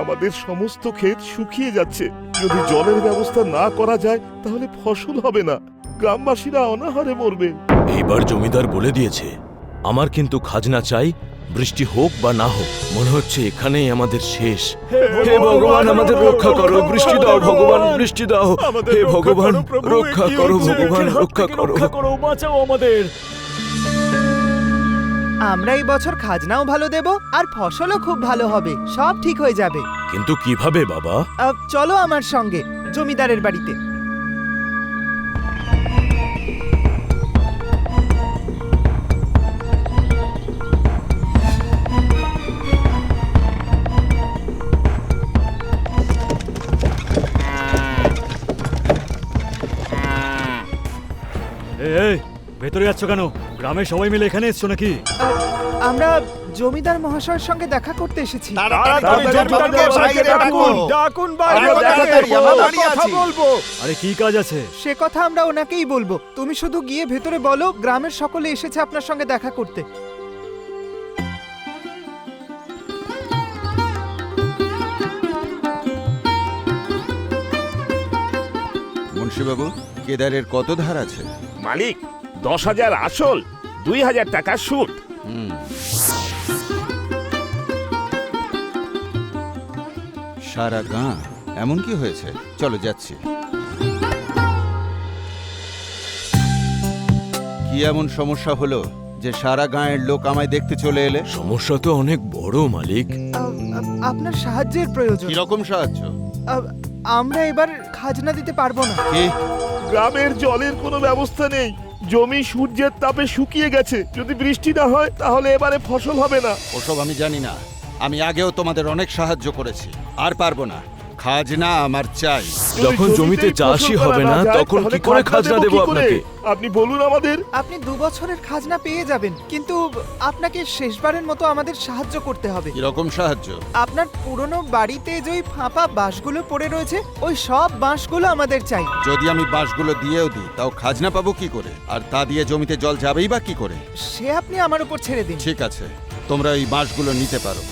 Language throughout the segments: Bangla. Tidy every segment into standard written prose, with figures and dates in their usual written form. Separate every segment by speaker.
Speaker 1: আমাদের সমস্ত ক্ষেত শুকিয়ে যাচ্ছে। যদি জলের ব্যবস্থা না করা যায় তাহলে ফসল হবে না, গ্রামবাসীরা অনাহারে মরবে।
Speaker 2: এইবার জমিদার বলে দিয়েছে, আমার কিন্তু খাজনা চাই, বৃষ্টি হোক বা না হোক। মনে হচ্ছে এখানেই আমাদের শেষ। হে ভগবান, আমাদের রক্ষা করো, বৃষ্টি দাও ভগবান, বৃষ্টি দাও। হে ভগবান, রক্ষা করো ভগবান, রক্ষা করো,
Speaker 3: বাঁচাও আমাদের।
Speaker 4: আমরা এই বছর খাজনাও ভালো দেব আর ফসলও খুব ভালো হবে, সব ঠিক হয়ে যাবে।
Speaker 2: কিন্তু কিভাবে বাবা?
Speaker 4: চলো আমার সঙ্গে জমিদারের বাড়িতে।
Speaker 3: এই ভেতরে যাচ্ছ কেন? গ্রামের সবাই মিলে এখানে এসছো নাকি?
Speaker 4: আমরা জমিদার মহাশয়ের সঙ্গে দেখা করতে এসেছি।
Speaker 3: আরে কি কাজ আছে?
Speaker 4: সে কথা আমরা ওনাকেই বলবো, তুমি শুধু গিয়ে ভেতরে বলো গ্রামের সকলে এসেছে আপনার সঙ্গে দেখা করতে।
Speaker 5: মুন্সিবাবু, কেদারের কত ধার আছে?
Speaker 1: মালিক 10,000 আসল, 2,000 টাকা সুদ।
Speaker 5: সারা গাঁ এমন কি হয়েছে? চলো যাচ্ছি। কি এমন সমস্যা হলো যে সারা গাঁয়ের লোক আমায় দেখতে চলে এলে?
Speaker 2: সমস্যা তো অনেক বড় মালিক।
Speaker 4: আপনার সাহায্যের প্রয়োজন।
Speaker 5: কিরকম সাহায্য?
Speaker 4: আমরা এবার খাজনা দিতে পারবো না।
Speaker 5: কি?
Speaker 1: গ্রামের জলের কোনো ব্যবস্থা নেই, জমি সূর্যের তাপে শুকিয়ে গেছে। যদি বৃষ্টি না হয় তাহলে এবারে ফসল হবে না।
Speaker 5: ওসব আমি জানি না, আমি আগেও তোমাদের অনেক সাহায্য করেছি, আর পারবো না। খাজনা আমার চাই।
Speaker 2: যখন জমিতে চাষই হবে না তখন কি করে খাজনা দেব আপনাকে?
Speaker 1: আপনি বলুন আমাদের।
Speaker 4: আপনি 2 বছরের খাজনা পেয়ে যাবেন, কিন্তু আপনাকে শেষবারের মতো আমাদের সাহায্য করতে হবে।
Speaker 5: কিরকম সাহায্য?
Speaker 4: আপনার পুরনো বাড়িতে যে ওই ফাঁপা বাঁশগুলো পড়ে রয়েছে, ওই সব বাঁশগুলো আমাদের চাই।
Speaker 5: যদি আমি বাঁশগুলো দিয়েও দিই তাও খাজনা পাবো কি করে? আর তা দিয়ে জমিতে জল যাবেই বা কি করে?
Speaker 4: সে আপনি আমার উপর ছেড়ে দিন।
Speaker 5: ঠিক আছে, তোমরা এই বাঁশগুলো নিতে পারো।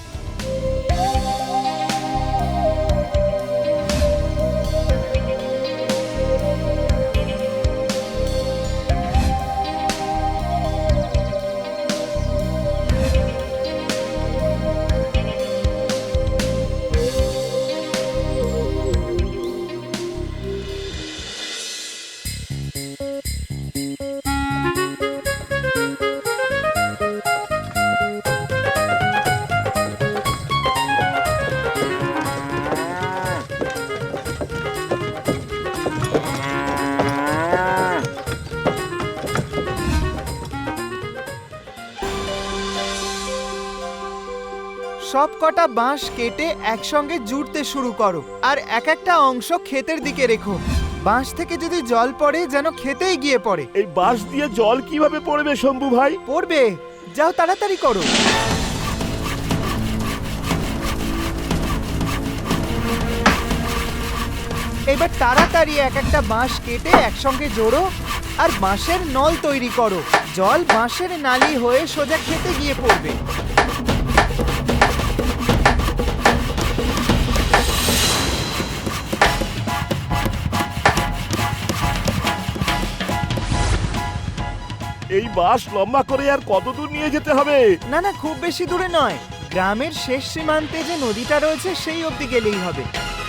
Speaker 4: সব কটা বাঁশ কেটে একসঙ্গে জুড়তে শুরু করো, আর এক একটা অংশ ক্ষেতের দিকে রেখো। বাঁশ থেকে যদি জল পড়ে যেন ক্ষেতেই গিয়ে পড়ে।
Speaker 1: এই বাঁশ দিয়ে জল কিভাবে পড়বে শম্ভু ভাই?
Speaker 4: পড়বে, যাও তাড়াতাড়ি করো। এবার তাড়াতাড়ি এক একটা বাঁশ কেটে একসঙ্গে জোড়ো আর বাঁশের নল তৈরি করো। জল বাঁশের নালি হয়ে সোজা খেতে গিয়ে পড়বে।
Speaker 1: এই বাঁশ লম্বা করে আর কত দূর নিয়ে যেতে হবে?
Speaker 4: না না, খুব বেশি দূরে নয়, গ্রামের শেষ সীমান্তে যে নদীটা রয়েছে সেই অবধি গেলেই হবে।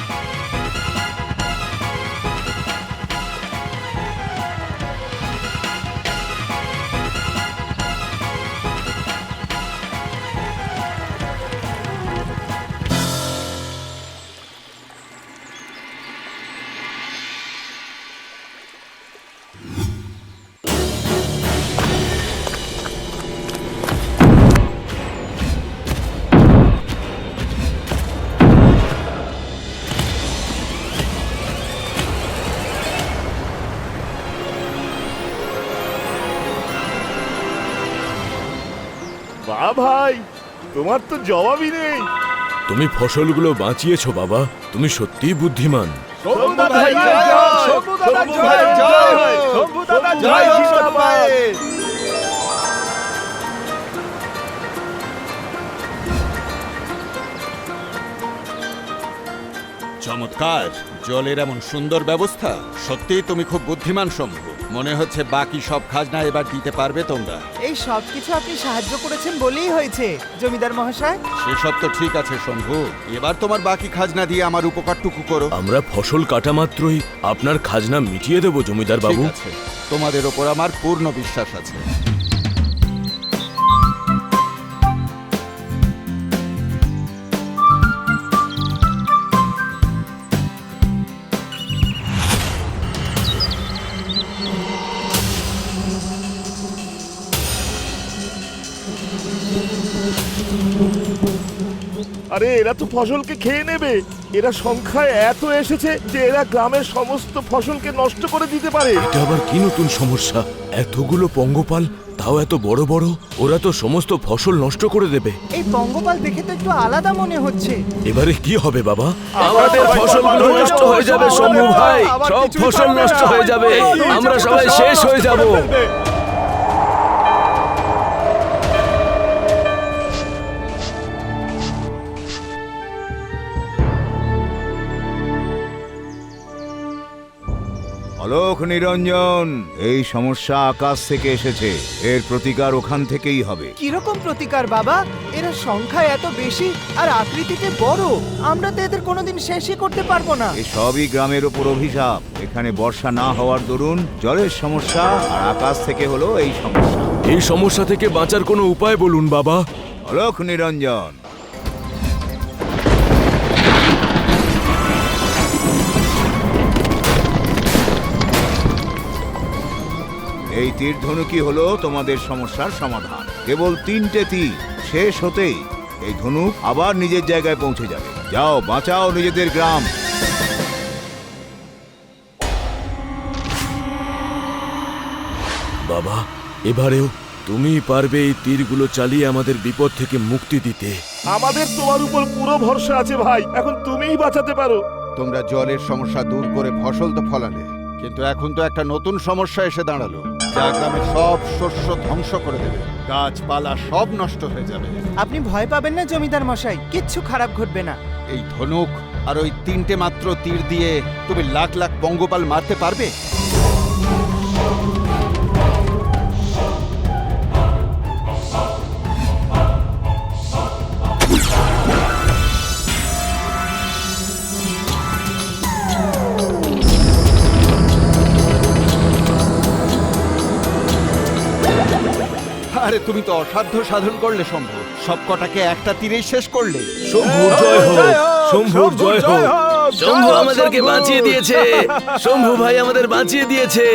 Speaker 1: বাহ ভাই, তোমার তো জবাবই নেই।
Speaker 2: তুমি ফসলগুলো বাঁচিয়েছো বাবা, তুমি সত্যিই বুদ্ধিমান।
Speaker 1: শম্ভু ভাই জয়, শম্ভু ভাই জয়, শম্ভু দাদা জয়, জিন্দাবাদ।
Speaker 5: চমৎকার, জলের এমন সুন্দর ব্যবস্থা। সত্যি তুমি খুব বুদ্ধিমান শম্ভু। মনে হচ্ছে বাকি সব খাজনা এবার দিতে পারবে তোমরা।
Speaker 4: এই সব কিছু আপনি সাহায্য করেছেন বলেই হয়েছে জমিদার মহাশয়।
Speaker 5: সেসব তো ঠিক আছে শম্ভু, এবার তোমার বাকি খাজনা দিয়ে আমার উপকারটুকু করো।
Speaker 2: আমরা ফসল কাটা মাত্রই আপনার খাজনা মিটিয়ে দেব জমিদার
Speaker 5: ঠিক
Speaker 2: বাবু।
Speaker 5: আছে, তোমাদের ওপর আমার পূর্ণ বিশ্বাস আছে।
Speaker 1: আরে এরা তো ফসলকে খেয়ে নেবে। এরা সংখ্যায় এত এসেছে যে এরা গ্রামের সমস্ত ফসলকে নষ্ট করে দিতে পারে।
Speaker 2: এটা আবার কি নতুন সমস্যা? এতগুলো পঙ্গপাল, তাও এত বড় বড়, ওরা তো সমস্ত ফসল নষ্ট করে দেবে।
Speaker 4: এই পঙ্গপাল দেখে তো একটু আলাদা মনে হচ্ছে।
Speaker 2: এবারে কি হবে বাবা?
Speaker 1: আমাদের ফসলগুলো নষ্ট হয়ে যাবে শম্ভু ভাই।
Speaker 2: সব ফসল নষ্ট হয়ে যাবে, আমরা সবাই শেষ হয়ে যাব।
Speaker 6: অলোক নিরঞ্জন, এই সমস্যা আকাশ থেকে এসেছে, এর প্রতিকার ওখান থেকেই হবে।
Speaker 4: কিরকম প্রতিকার বাবা? এরা সংখ্যায় এত বেশি আর আকৃতিতে বড়, আমরা তো এদের কোনোদিন শেষই করতে পারবো না।
Speaker 6: এই সবই গ্রামের ওপর অভিশাপ। এখানে বর্ষা না হওয়ার দরুন জলের সমস্যা, আর আকাশ থেকে হলো এই সমস্যা।
Speaker 2: এই সমস্যা থেকে বাঁচার কোনো উপায় বলুন বাবা।
Speaker 6: অলোক নিরঞ্জন, এই তীর ধনুকই হলো তোমাদের সমস্যার সমাধান। কেবল 3টে তীর শেষ হতেই এই ধনুক আবার নিজের জায়গায় পৌঁছে যাবে। যাও, বাঁচাও নিজেদের গ্রাম।
Speaker 2: বাবা, এবারেও তুমি পারবে এই তীরগুলো চালিয়ে আমাদের বিপদ থেকে মুক্তি দিতে।
Speaker 1: আমাদের তোমার উপর পুরো ভরসা আছে ভাই, এখন তুমিই বাঁচাতে পারো।
Speaker 5: তোমরা জলের সমস্যা দূর করে ফসল তো ফলালে, কিন্তু এখন তো একটা নতুন সমস্যা এসে দাঁড়ালো, যা গ্রামের সব শস্য ধ্বংস করে দেবে। গাছপালা সব নষ্ট হয়ে যাবে।
Speaker 4: আপনি ভয় পাবেন না জমিদার মশাই, কিচ্ছু খারাপ ঘটবে না।
Speaker 5: এই ধনুক আর ওই 3টে মাত্র তীর দিয়ে তুমি লাখ লাখ পঙ্গপাল মারতে পারবে? আরে তুমি তো অসাধ্য সাধন করলে শম্ভু, সব কটাকে একটা তীরেই শেষ করলে।
Speaker 2: শম্ভুর জয় হোক, শম্ভুর জয় হোক। শম্ভু আমাদেরকে বাঁচিয়ে দিয়েছে, শম্ভু ভাই আমাদের বাঁচিয়ে দিয়েছে।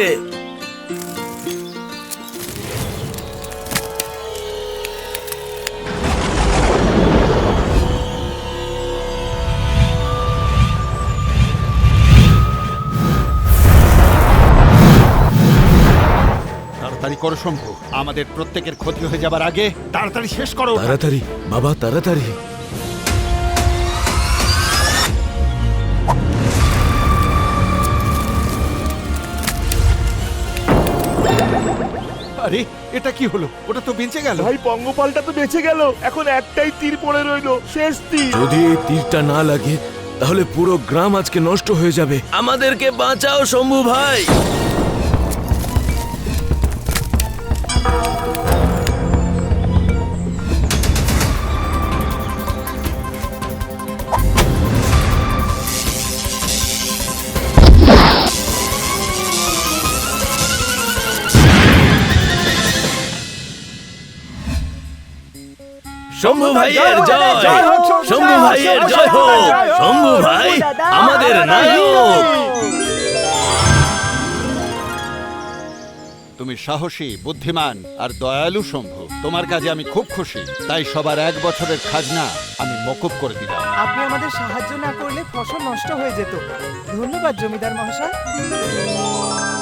Speaker 5: তাড়াতাড়ি করো শম্ভু, আমাদের প্রত্যেকের ক্ষতি হয়ে যাবার আগে তাড়াতাড়ি শেষ করো।
Speaker 2: তাড়াতাড়ি বাবা, তাড়াতাড়ি।
Speaker 5: আরে এটা কি হলো? ওটা তো বেঁচে গেল।
Speaker 1: ভাই পঙ্গপালটা তো বেঁচে গেল, এখন একটাই তীর পড়ে রইলো, শেষ তীর।
Speaker 2: যদি এই তীরটা না লাগে তাহলে পুরো গ্রাম আজকে নষ্ট হয়ে যাবে। আমাদেরকে বাঁচাও শম্ভু ভাই। শম্ভু ভাইয়ের জয়, শম্ভু ভাইয়ের জয় হোক। শম্ভু ভাই আমাদের নায়ক।
Speaker 5: তুমি সাহসী, বুদ্ধিমান আর দয়ালু শম্ভু। তোমার কাজে আমি খুব খুশি, তাই সবার 1 বছরের খাজনা আমি মকুব করে দিলাম।
Speaker 4: আপনি আমাদের সাহায্য না করলে ফসল নষ্ট হয়ে যেত। ধন্যবাদ জমিদার মহাশয়।